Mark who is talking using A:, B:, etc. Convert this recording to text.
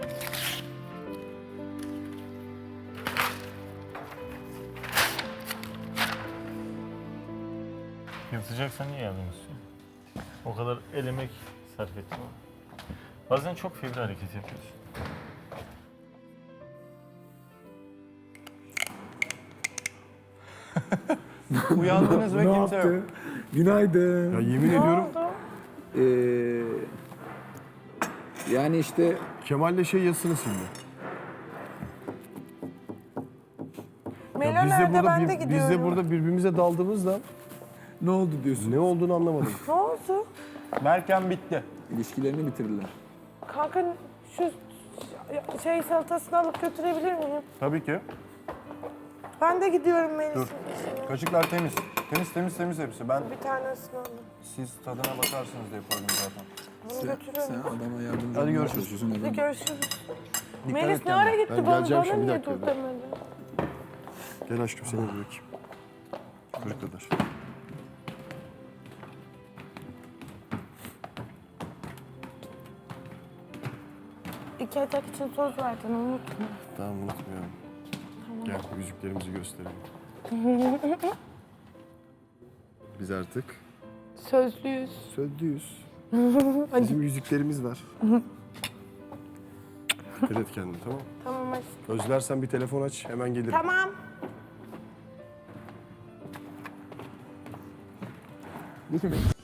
A: Yırtacaksan niye yardım istiyorsun? O kadar el emek sarf ettim. Bazen çok fevri hareket yapıyorsun.
B: Uyandınız ve
C: Ne
B: kimse yok.
C: yaptı? Günaydın.
B: Ya yemin ediyorum
C: Yani işte
B: Kemal'le şey yazısını sildi.
D: Melo nerede? Ben de gidiyorum.
B: Biz de burada birbirimize daldığımızda
C: ne oldu diyorsun?
B: ne olduğunu anlamadım.
D: Ne oldu?
B: Merken bitti.
C: İlişkilerini bitirdiler.
D: Kanka şu şey salatasını alıp götürebilir miyim?
B: Tabii ki.
D: Ben de gidiyorum Melis'in
B: Dur.
D: işine.
B: Kaşıklar temiz. Temiz hepsi. Ben
D: Bir tanesini alayım.
B: siz tadına bakarsınız diye koydum zaten.
D: Bunu
C: Sen
D: götürüyorum.
C: adama yardımcı
B: Hadi
C: olmaya
B: görüşürüz.
C: çalışıyorsun.
D: Hadi
C: Adam.
D: görüşürüz.
B: Dikkat
D: Melis
B: et
D: ne ara
B: kendine.
D: gitti?
B: Ben
D: Bana
B: geleceğim şimdi, bir
D: niye
B: dakika,
D: dur
B: bir
D: demedi?
B: Gel aşkım seni bırakayım. Çocuklar.
D: İki atak için söz verdin, unutma.
B: Tamam unutmuyorum. Gel yüzüklerimizi gösterelim. Biz artık
D: Sözlüyüz.
B: sözlüyüz. Bizim yüzüklerimiz var. Dikkat et kendine, tamam mı?
D: Tamam aşkım.
B: Özlersen bir telefon aç, hemen gelirim.
D: Tamam.